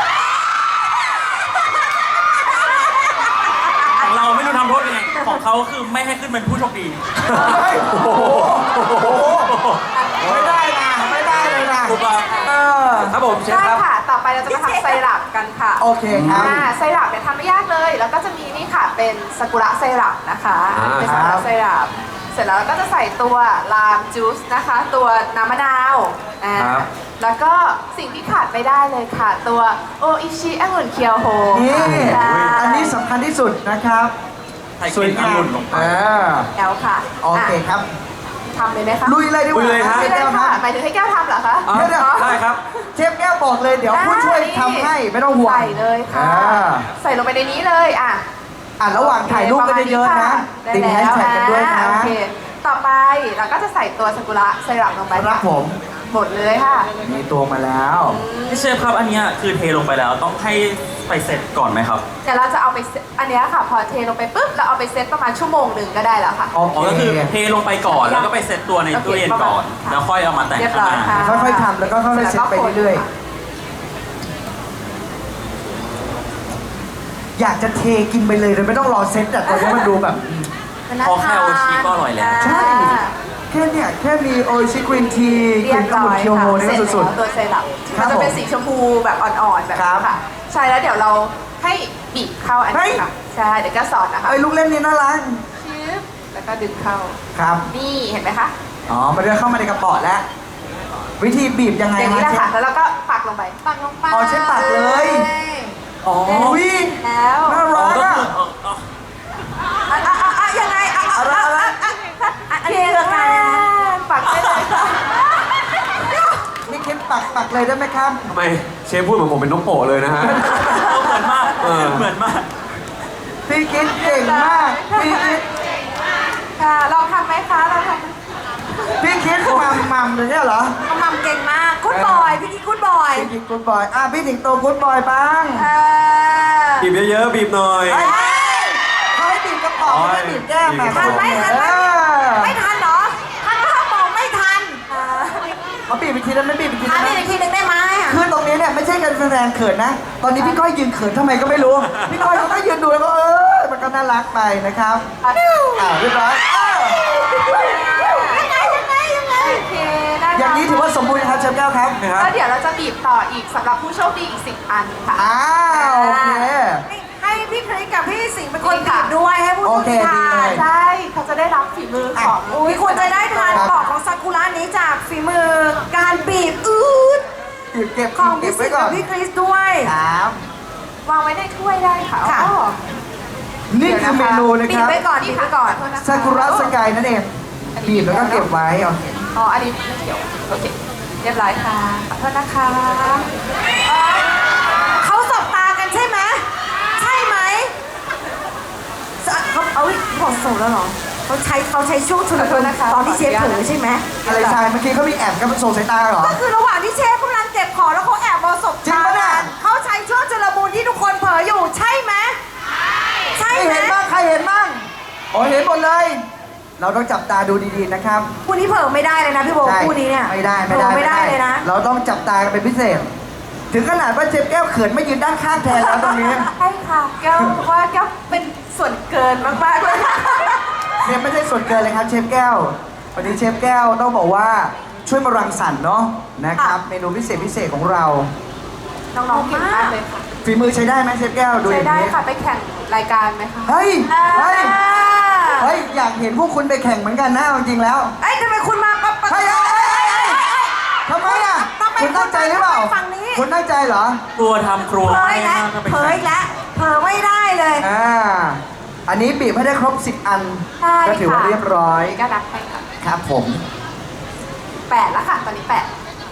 [SPEAKER 5] ของเราไม่รู้ทำโทษยังไง ของเขาคือไม่ให้ขึ้นเป็นผู้โชคดี
[SPEAKER 1] เฮ้ยโอ้โหโอ้โหไม่ได้นะ ไม่ได้เลยนะ
[SPEAKER 5] ถูกปะ
[SPEAKER 1] เออ
[SPEAKER 4] ครับผมเชฟ
[SPEAKER 3] ใช่
[SPEAKER 4] ครับ
[SPEAKER 3] ค่ะ ต่อไปเราจะมาทำไซรัปกันค่ะ
[SPEAKER 1] โอเคครับ
[SPEAKER 3] อ่าไซรัปเนี่ยทำไม่ยากเลย แล้วก็จะมีนี่ค่ะเป็นซากุระไซรัปนะคะ
[SPEAKER 4] อ่า
[SPEAKER 3] เป็นซากุระไซรัปเสร็จแล้วเราก็จะใส่ตัวลามจูสนะคะ ตัวน้ำมะนาวอ่า
[SPEAKER 4] ครับ
[SPEAKER 3] แล้วก็สิ่งที่ขาดไม่ได้เลยค่ะ ตัวโออิชิองุ่นเคียวโฮ
[SPEAKER 1] นี่
[SPEAKER 3] ใช่
[SPEAKER 1] อันนี้สำคัญที่สุดนะครับ
[SPEAKER 5] ใส่กลิ่นองุ่นลงไป
[SPEAKER 1] เออ
[SPEAKER 3] แล้วค่ะ
[SPEAKER 1] โอเคครับ
[SPEAKER 3] ทำเลยไหมคะ
[SPEAKER 1] ลุยเลยดีกว่า
[SPEAKER 4] ลุยเลยครับ
[SPEAKER 1] เช
[SPEAKER 3] ไม่
[SPEAKER 1] ฟ
[SPEAKER 3] ได้
[SPEAKER 1] แก้วค
[SPEAKER 3] ค่ะ
[SPEAKER 1] รับ
[SPEAKER 3] หมายถึงให้แก้วทำเหรอคะ
[SPEAKER 4] อ่ะ
[SPEAKER 1] เดี๋ยวเดี๋ยว
[SPEAKER 4] ได้ครับ
[SPEAKER 1] เชฟแก้วบอกเลยเดี๋ยวผู้ช่วยทำให้ไม่ต้องห่วง
[SPEAKER 3] ใส่เลยค่ะ
[SPEAKER 1] อ่า
[SPEAKER 3] ใส่ลงไปในนี้เลยอ่ะ
[SPEAKER 1] อ่ะระหว่างถ่ายรูปก็เยอะๆนะ
[SPEAKER 3] ได้
[SPEAKER 1] ติดแฮช
[SPEAKER 3] แล้ว
[SPEAKER 1] แท็กกันด้วยนะ
[SPEAKER 3] อ่าโอเค ต่อไปเราก็จะใส่ตัวซากุระไซรัปลงไป
[SPEAKER 1] ครับผม
[SPEAKER 3] หมดเลยค่ะ
[SPEAKER 1] มีตัวมาแล้ว
[SPEAKER 5] พี่เชฟครับอันเนี้ยคือเทลงไปแล้วต้องให้ไปเสร็จก่อนไหมครับ
[SPEAKER 3] แต่เราจะเอาไปเซตอันเนี้ยค่ะ พอเทลงไปปุ๊บเราเอาไปเซตประมาณชั่วโมงหนึ่งก็ได้แล้วค่ะ
[SPEAKER 1] โอ
[SPEAKER 5] อ๋อก็
[SPEAKER 1] เค
[SPEAKER 5] คือเทลงไปก่อนแล้วก็ไปเซตตัวในตู้เย็นก่อน
[SPEAKER 3] ค่ะ
[SPEAKER 5] แล้วค่อยเอามาแต่ง
[SPEAKER 3] เรียบ
[SPEAKER 5] ข้าง
[SPEAKER 3] ร้
[SPEAKER 5] ห
[SPEAKER 3] อย
[SPEAKER 5] น้า
[SPEAKER 3] ค่ะ
[SPEAKER 1] ค่อยๆทำแล้วก็ค่อยๆเซ็ตไปเรื่อยๆ อยากจะเทกินไปเลยโดยไม่ต้องรอเซ็ตแต่ตอนนี้มันดูแบบ
[SPEAKER 5] พอแค่โอชิก็อร่อยแล้ว
[SPEAKER 1] ใช่ แค่เนี่ยแค่มีโอชิกรีนทีก
[SPEAKER 3] เรี
[SPEAKER 1] ลิ่
[SPEAKER 3] ย
[SPEAKER 1] น
[SPEAKER 3] บ
[SPEAKER 1] องุ่
[SPEAKER 3] ร้อน ย
[SPEAKER 1] เคียวโฮ
[SPEAKER 3] ค่ะ
[SPEAKER 1] นี่
[SPEAKER 3] เสร็
[SPEAKER 1] ก็
[SPEAKER 3] จ
[SPEAKER 1] สุด
[SPEAKER 3] แล้วตัวไซรัป
[SPEAKER 1] ครั
[SPEAKER 3] มั
[SPEAKER 1] บ
[SPEAKER 3] นจะเป็น
[SPEAKER 1] ผม
[SPEAKER 3] สีชมพูแบบอ่อนๆแบบ
[SPEAKER 1] ครั
[SPEAKER 3] นี้
[SPEAKER 1] บ
[SPEAKER 3] ค่ะ ใช่แล้วเดี๋ยวเราให้บีบเข้าอัน
[SPEAKER 1] เฮ้
[SPEAKER 3] นี้
[SPEAKER 1] ย
[SPEAKER 3] ค่ะใช่เดี๋ยวก็สอนนะ
[SPEAKER 1] ๆ
[SPEAKER 3] คะ
[SPEAKER 1] ไอ้ยลูกเล่นนี่น่ารัก
[SPEAKER 3] ชืบแล้วก็ดึงเข้า
[SPEAKER 1] ครับ
[SPEAKER 3] นี่เห็นไหมคะ
[SPEAKER 1] อ๋อ มันจะเข้ามาในกระป๋อแล้ว วิธีบีบยังไง
[SPEAKER 3] อย่างนี้แหละ
[SPEAKER 1] เช
[SPEAKER 3] ค่ะ
[SPEAKER 1] ฟ
[SPEAKER 3] แล้วเราก็ปักลงไปปักลงไป
[SPEAKER 1] อ๋อใช้ปักเลย อ๋อวิ
[SPEAKER 3] แล้ว
[SPEAKER 1] น่า
[SPEAKER 5] อ๋อ
[SPEAKER 1] รัก
[SPEAKER 5] ก็
[SPEAKER 1] อ่ะ
[SPEAKER 5] คือเออเออ
[SPEAKER 3] อ่ะอ่ะอ่ะยังไงอ่ะอ่ะ
[SPEAKER 1] อะไรอะไร
[SPEAKER 3] อ่ะอ่ะอ่ะอันนี้คือการปักได้เลยค่ะ
[SPEAKER 1] นี่คิดปักปักเลยได้ไหมครับ
[SPEAKER 4] ทำไมเชฟพูดเหมือนผมเป็นนกโปะเลยนะฮะ
[SPEAKER 5] เหมือนมาก
[SPEAKER 4] เออ
[SPEAKER 5] เหมือนมาก
[SPEAKER 1] พี่คิดเก่งมาก พี่คิด
[SPEAKER 3] ค่ะลองทำไหมคะลองทำ
[SPEAKER 1] พี่คิดมัมมัมเลยเนี่ยเหรอ
[SPEAKER 2] เขามัมเก่งมากคุณบอย พี่กิ๊กคุณบอย
[SPEAKER 1] พี่คิดกูดบอย อ่ะพี่ถิงโตกูดบอยบ้าง
[SPEAKER 3] เออ
[SPEAKER 4] บีบเยอะๆบีบหน่อย
[SPEAKER 1] เฮ้ยเขาให้บีบกระป๋องไม่ได้บีบแก้ม
[SPEAKER 4] บีบกระป๋
[SPEAKER 2] ทั
[SPEAKER 4] อน ง
[SPEAKER 2] ไหมทันไหม
[SPEAKER 1] เออ
[SPEAKER 2] ไม่ทันเหรอทันก็เขาบอกไม่ทัน
[SPEAKER 1] เขาบีบอีกทีแล้วไม่บีบอีกที
[SPEAKER 2] ทัน
[SPEAKER 1] ได้ไหม
[SPEAKER 2] อีกทีหนึ่งได้ไหมอ่ะ
[SPEAKER 1] คือตรงนี้เนี่ยไม่ใช่การแสดงเขินนะ ตอนนี้พี่ก้อยยืนเขินทำไมก็ไม่รู้ พี่ก้อยเขาก็ยืนดูแล้วก็เออมันก็น่ารักไปนะครับ อ่าเรียบร้อยอ้าว
[SPEAKER 2] ยังไงยังไงยังไง
[SPEAKER 3] โอเคได้
[SPEAKER 1] อย่างนี้ถือว่าสมบูรณ์นะครับเชฟแก้วครับ
[SPEAKER 4] นะครับ
[SPEAKER 3] แล้วเดี๋ยวเราจะบีบต่ออีกสำหรับผู้โชคดีอีกสิบอันค่ะ
[SPEAKER 1] อ้าวโอเค
[SPEAKER 2] ให้พี่คริสกับพี่สิงห์เป็นคนบีบด้วยให้ผู้
[SPEAKER 1] โอ
[SPEAKER 2] ชม
[SPEAKER 1] เค
[SPEAKER 2] ทา
[SPEAKER 1] ดี
[SPEAKER 2] น
[SPEAKER 1] เลย
[SPEAKER 3] ใช่เขาจะได้รับฝีมือของ
[SPEAKER 2] อุ้ยควรจะได้ทานปอกของซากุระนี้จากฝีมือการบีบอืด
[SPEAKER 1] บีบเก็บ
[SPEAKER 2] ของ
[SPEAKER 1] เก็
[SPEAKER 2] พี่
[SPEAKER 1] บ
[SPEAKER 2] สิ
[SPEAKER 1] ไว้
[SPEAKER 2] งห์
[SPEAKER 1] ก่อ
[SPEAKER 2] กัน บพี่คริสด้วย
[SPEAKER 1] ครับ
[SPEAKER 3] วางไว้ในถ้วยได้ค่ะ
[SPEAKER 2] ค่ะ
[SPEAKER 3] อ๋อ
[SPEAKER 1] นี่คือเมนูนะ
[SPEAKER 2] บี
[SPEAKER 1] ค
[SPEAKER 2] บ
[SPEAKER 1] รับ
[SPEAKER 2] ไว้ก่อนบีบไว้ก่อน
[SPEAKER 3] ขอโทษนะคะ
[SPEAKER 1] ซากุระสกายนั่นเองบีบแล้วก็เก็บไว้โอเค
[SPEAKER 3] อ๋ออันนี้ไม่เกี่ยวโอเคเรียบร้อยค่ะขอโทษนะคะ
[SPEAKER 2] เขาสบตากันใช่ไหมใช่ไหมสะเขาเอาอีกบอกส่งแล้วเหรอเขาใช้เขาใช้ช่วงชุลมุนตอนที่เชฟเผลอใช่ไหม
[SPEAKER 1] อะไรชายเมื่อกี้เขามีแอบกันส่งสายตาเหรอ
[SPEAKER 2] ก็คือระหว่างที่เชฟกำลังเก็บของแล้วเขาแอบมองสบ
[SPEAKER 1] จริง
[SPEAKER 2] ตา
[SPEAKER 1] ปะเนี่ย
[SPEAKER 2] กันเขาใช้ช่วงชุลมุนที่ทุกคนเผลออยู่ใช่ไหมใช่
[SPEAKER 1] ใคร
[SPEAKER 2] ไหม
[SPEAKER 1] เห็นบ้างใครเห็นบ้างอ๋อเห็นหมดเลย เราต้องจับตาดูดีๆนะครับ
[SPEAKER 2] คู่นี้เผลอไม่ได้เลยนะพี่โบ
[SPEAKER 1] ใช่
[SPEAKER 2] คู่นี้เนี่ย
[SPEAKER 1] ไม่ได้ไม่
[SPEAKER 2] เผล
[SPEAKER 1] ได้
[SPEAKER 2] อไม่ได้เลยนะ
[SPEAKER 1] เราต้องจับตากันเป็นพิเศษถึงขนาดว่าเชฟแก้วเขินไม่ยืนด้านข้างแทนแล้วตรงนี้
[SPEAKER 3] ใช่ค่ะแก้วว่าแก้วเป็นส่วนเกินมากๆเลยค่ะ
[SPEAKER 1] เนี่ยไม่ใช่ส่วนเกินเลยครับเชฟแก้ววันนี้เชฟแก้วต้องบอกว่าช่วยมารังสรรค์เนาะนะครับเมนูพิเศษพิเศษของเรา
[SPEAKER 3] น้องๆเก่งมากเลยค่ะ
[SPEAKER 1] ฝีมือใช้ได้ไหมเชฟแก้วดูอ
[SPEAKER 3] ใช้
[SPEAKER 1] ย่าง
[SPEAKER 3] ได้
[SPEAKER 1] นี้
[SPEAKER 3] ค่ะไปแข่งรายการไหมคะ
[SPEAKER 1] เฮ้ยเฮ้ย
[SPEAKER 2] อ่า
[SPEAKER 1] เฮ้ยอยากเห็นพวกคุณไปแข่งเหมือนกันนะเอาจริงๆแล้ว
[SPEAKER 2] เอ้ยทำไมคุณมาปั๊บปั๊บ
[SPEAKER 1] เฮ้ยเฮ้ยเฮ้ยเฮ้ยทำไมอ่ะ
[SPEAKER 2] ทำไม
[SPEAKER 1] คุณตั้งใจหรือเปล่า
[SPEAKER 2] คุณมาฝั่งนี้
[SPEAKER 1] คุณตั้งใจเหรอ
[SPEAKER 5] กลัวทำครัว
[SPEAKER 2] เผ
[SPEAKER 5] ให้
[SPEAKER 2] ยแล้ว
[SPEAKER 5] มากก็ไป
[SPEAKER 2] เผ
[SPEAKER 5] แข่
[SPEAKER 2] ย
[SPEAKER 5] ง
[SPEAKER 2] แล้วเผยไม่ได้เลย
[SPEAKER 1] อ่าอันนี้บีบให้ได้ครบสิบอัน
[SPEAKER 3] ใช่
[SPEAKER 1] ก็ถือว่า
[SPEAKER 3] ค่ะ
[SPEAKER 1] เรียบร้อย
[SPEAKER 3] ก็นับให้ค่ะ
[SPEAKER 1] ครับผม
[SPEAKER 3] แปดแล้วค่ะ ตอนนี้แปด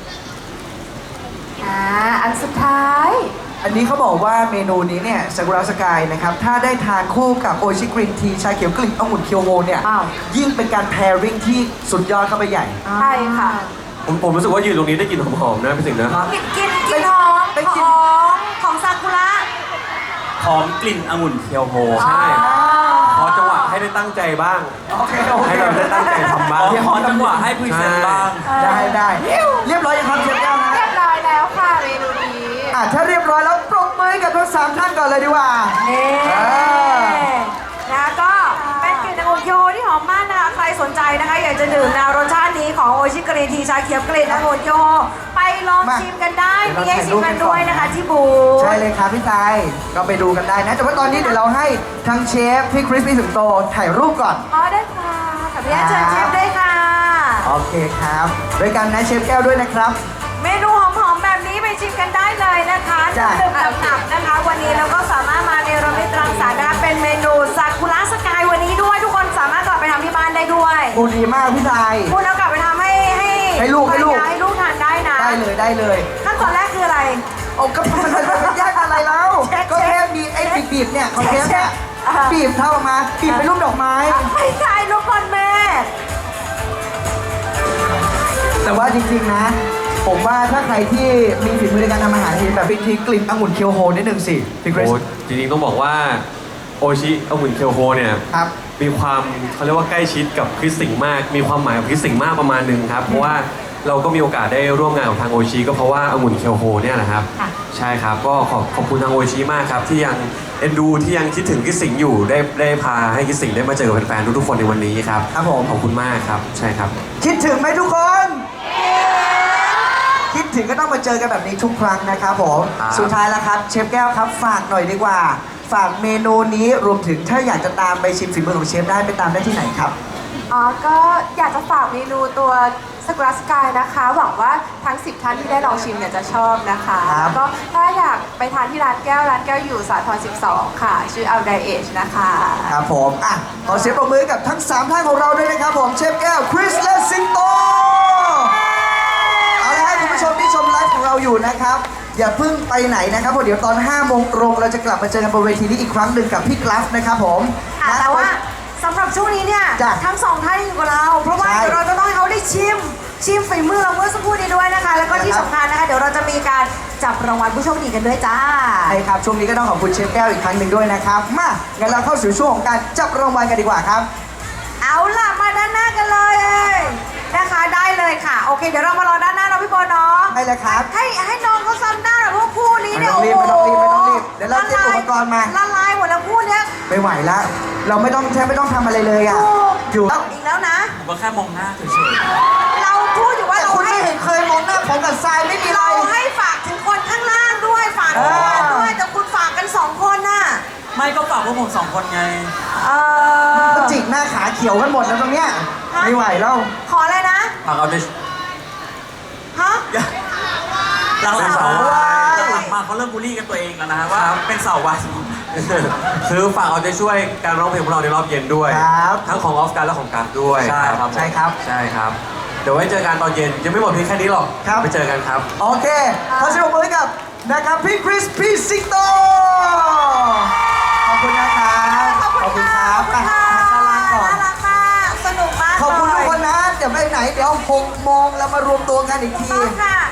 [SPEAKER 3] อ่าอันสุดท้าย
[SPEAKER 1] อันนี้เขาบอกว่าเมนูนี้เนี่ยซากุระสกายนะครับถ้าได้ทานคู่กับโอชิกรีนทีชาเขียวกลิ่นองุ่นเคียวโฮเนี่ย
[SPEAKER 2] อ้าว
[SPEAKER 1] ยิ่งเป็นการแพริ่งที่สุดยอดเข้าไปใหญ่
[SPEAKER 3] ใช่ค่ะ
[SPEAKER 4] ผมผมรู้สึกว่ายืนตรงนี้ได้กลิ่นหอมๆนะพี่สิงห์นะ
[SPEAKER 2] กินกินกินหอม
[SPEAKER 1] เป็น
[SPEAKER 2] ห
[SPEAKER 1] กลิ่น
[SPEAKER 2] อมของซากุระ
[SPEAKER 5] หอมกลิ่นองุ่นเคียวโฮ
[SPEAKER 4] ใช่ขอจังหวะให้ได้ตั้งใจบ้าง
[SPEAKER 1] โอเคโอเค
[SPEAKER 4] ให้เราได้ตั้งใจทำบ้าง
[SPEAKER 5] ขอจังหวะให้พรีเซนต์บ้าง
[SPEAKER 1] ได้ได้เรียบร้อยยังครับเชฟแก้วนะ
[SPEAKER 3] เรียบร้อยแล้วค่ะเมนูนี้
[SPEAKER 1] อ่ะถ้าเรียบร้อยแล้วปรบมือให้กับทั้งสามท่านก่อนเลยดีกว่า
[SPEAKER 2] นี่
[SPEAKER 1] อ่า
[SPEAKER 2] นะก็เป็นกลิ่นองุ่นเคียวโฮที่หอมมากนะคะใครสนใจนะคะอยากจะดื่มแนวรสชาตินี้ของโอชิกรีนทีชาเขียวกลิ่นองุ่นเคียวโฮไปลองชิมกันได้มีให้ชิมกันด้วยนะคะที่บูธ
[SPEAKER 1] ใช่เลยครับพี่ทรายก็ไปดูกันได้นะ แต่ว่าตอนนี้เดี๋ยวเราให้ทั้งเชฟพี่คริสพี่สิงโตถ่ายรูปก่อน
[SPEAKER 3] อ๋อได้ค่ะ
[SPEAKER 2] ขออนุญาตเชิญเชฟด้วยค่ะ
[SPEAKER 1] โอเคครับด้วยกันนะเชฟแก้วด้วยนะครับ
[SPEAKER 2] เมนูหอมๆแบบนี้ไปชิมกันได้เลยนะคะ
[SPEAKER 1] จ้ะ
[SPEAKER 2] ดื่มหนับๆนะคะ วันนี้เราก็สามารถมาในรมิตรังสรรค์นะคะเป็นเมนูซากุระสกายวันนี้ด้วยทุกคนสามารถกลับไปทำที่บ้านได้ด้วย
[SPEAKER 1] โอ้ดีมากพี่ทราย
[SPEAKER 2] คุณเอากลับไปทำให้ให้
[SPEAKER 1] ให้ลูกให้ลูก
[SPEAKER 2] ภรรยาให้ลูกทานได้นะ
[SPEAKER 1] ได้เลยได้เลย
[SPEAKER 2] ขั้นตอนแรกคืออะไร
[SPEAKER 1] โอ้ก็มันมันยากอะไรแล้ว
[SPEAKER 2] เชฟ
[SPEAKER 1] ก็แค่มีไอ้บีบๆเนี่ยของเชฟเนี่ย
[SPEAKER 2] อ่า
[SPEAKER 1] บีบเท่าออกมาบีบเป็นรูปดอกไม้
[SPEAKER 2] ไม่ใช่ลูกบอลแม่
[SPEAKER 1] แต่ว่าจริงๆนะ ผมว่าถ้าใครที่มีฝีมือในการทำอาหารที่แบบวิธีกลิ่นองุ่นเคียวโฮนิดนึงสิพี่คริส
[SPEAKER 4] โอ้จริงๆต้องบอกว่าโอชิองุ่นเคียวโฮเนี่ย
[SPEAKER 1] ครับ
[SPEAKER 4] มีความเขาเรียกว่าใกล้ชิดกับคริสสิงห์มาก มีความหมายกับคริสสิงห์มากประมาณหนึงครับ เพราะว่าเราก็มีโอกาสได้ร่วมงานกับทางโอชิก็เพราะว่าองุ่นเคียวโฮเนี่ยนะครับ ใช่ครับ ก็ขอบขอบคุณทางโอชิมากครับ ที่ยังเอ็นดูที่ยังคิดถึงคริสสิงห์อยู่ได้ได้พาให้คริสสิงห์ได้มาเจอกับแฟนๆทุกๆคนในวันนี้ครับ
[SPEAKER 1] ครับผม
[SPEAKER 4] ขอบคุณมากครับ ใช่ครับ
[SPEAKER 1] คิดถึงไหมทุกคน คิดถึงก็ต้องมาเจอกันแบบนี้ทุกครั้งนะครับผม
[SPEAKER 4] ครับ
[SPEAKER 1] สุดท้ายแล้วครับเชฟแก้วครับฝากหน่อยดีกว่า ฝากเมนูนี้รวมถึงถ้าอยากจะตามไปชิมฝีมือของเชฟได้ไปตามได้ที่ไหนครับ
[SPEAKER 3] อ๋อ ก็อยากจะฝากเมนูตัวสกุระสกายนะคะ หวังว่าทั้งสิบท่านที่ได้ลองชิมเนี่ยจะชอบนะคะ
[SPEAKER 1] ครับ
[SPEAKER 3] แล้วก็ถ้าอยากไปทานที่ร้านแก้ว ร้านแก้วอยู่สาทรสิบสองค่ะ ชื่อ Out Day Age นะคะ
[SPEAKER 1] ครับผมอ่ะขอเสียงปรบมือกับทั้งสามท่านของเราด้วยนะครับผมเชฟแก้วคริสและสิงโตเอาละให้คุณผู้ชมที่ชมไลฟ์ของเราอยู่นะครับ อย่าเพิ่งไปไหนนะครับเพราะเดี๋ยวตอนห้าโมงตรงเราจะกลับมาเจอกันบนเวทีนี้อีกครั้งหนึ่งกับพี่กราฟนะครับผม
[SPEAKER 2] ค่ะ
[SPEAKER 1] นะ
[SPEAKER 2] แต่ว่าสำหรับช่วงนี้เนี่ย
[SPEAKER 1] จ้ะ
[SPEAKER 2] ทั้งสองท่านอยู่กับเรา เพราะว่า
[SPEAKER 1] ใช่
[SPEAKER 2] เดี๋ยวเราจะต้องให้เขาได้ชิม ชิมฝีมือเราเมื่อสักครู่นี้ด้วยนะคะ แล้วก็ที่
[SPEAKER 1] นะครับ
[SPEAKER 2] สำคัญนะคะ เดี๋ยวเราจะมีการจับรางวัลผู้โชคดีกันด้วยจ้า
[SPEAKER 1] ใช่ครับช่วงนี้ก็ต้องขอบคุณเชฟแก้วอีกครั้งหนึ่งด้วยนะครับมางั้นเราเข้าสู่ช่วงของการจับรางวัลกันดีกว่าครับ
[SPEAKER 2] เอาล่ะมาด้านหน้ากันเลยนะคะได้เลยค่ะ โอเค เดี๋ยวเรามารอด้านหน้าเราพี่บอลเนาะ
[SPEAKER 1] ได้เลยครับ
[SPEAKER 2] ให้ให้น้องเขาซ้ำหน้าหน่อยเพราะว่าคู่นี้เนี่ย
[SPEAKER 1] ไม่
[SPEAKER 2] โอ้
[SPEAKER 1] ต้อง
[SPEAKER 2] โห
[SPEAKER 1] รีบไม่ต้องรีบไม่ต้องรีบเดี๋ยวเราเตรียมอุปกรณ์มา
[SPEAKER 2] ละลายหมดแล้วคู่เนี้ย
[SPEAKER 1] ไม่ไหวแล้ว เราไม่ต้องแทบไม่ต้องทำอะไรเลยอ่ะ
[SPEAKER 2] ถูก
[SPEAKER 1] อยู่แล้ว
[SPEAKER 2] อีกแล้วนะ
[SPEAKER 5] ผมก็แค่มองหน้าเฉย
[SPEAKER 2] เราพูดอยู่ว่า
[SPEAKER 1] แต่
[SPEAKER 2] เรา
[SPEAKER 1] คุณ
[SPEAKER 2] ให้
[SPEAKER 1] ไม่เห็นเคยมองหน้าผมกับทรายไม่มีอะไร
[SPEAKER 2] เราให้ฝากถึงคนข้างล่างด้วยฝากถึงคนด้วยแต่คุณฝากกันสองคนน่ะ
[SPEAKER 5] ๆ ไม่ก็ฝากพวกผมสองคนไง
[SPEAKER 2] เออ
[SPEAKER 1] ก็จิกหน้าขาเขียวกันหมดแล้วตรงเนี้ยไม่ไหวแล้ว
[SPEAKER 2] ขออะไรนะ
[SPEAKER 5] ฝากเอาใจ
[SPEAKER 2] ฮะ
[SPEAKER 5] หลังๆ
[SPEAKER 1] เป็น
[SPEAKER 5] เขา
[SPEAKER 1] สาววาย
[SPEAKER 5] หลังๆมาเขาเริ่มบูลลี่กันตัวเองแล้วนะฮะว่าเป็นสาววาย
[SPEAKER 4] คือฝากเอาใจช่วยการร้องเพลงของเราในรอบเย็นด้วย
[SPEAKER 1] ครับ
[SPEAKER 4] ทั้งของออฟการและของกัฟด้วย
[SPEAKER 5] ใช่ครับ
[SPEAKER 1] ใช่ครับ
[SPEAKER 4] ใช่ครับ เดี๋ยวไว้เจอกันตอนเย็นยังไม่หมดเพียงแค่นี้หรอก
[SPEAKER 1] ครับ
[SPEAKER 4] ไปเจอกันครับ
[SPEAKER 1] โอเคขอเสียงปรบมือให้กับนะครับพี่คริสพี่สิงโตขอบคุณนะครับ
[SPEAKER 2] ขอบคุณค่ะ
[SPEAKER 1] ครับ
[SPEAKER 2] ขอบคุณค่ะ
[SPEAKER 1] อ่ะมาด้านล่างก่อน
[SPEAKER 2] น่ารักมากสนุกมาก
[SPEAKER 1] ขอบคุณทุกคน
[SPEAKER 2] เลย
[SPEAKER 1] นะ เดี๋ยวไปไหน เดี๋ยวหกโมงเรามารวมตัวกันอีกที
[SPEAKER 2] ต้องค่ะ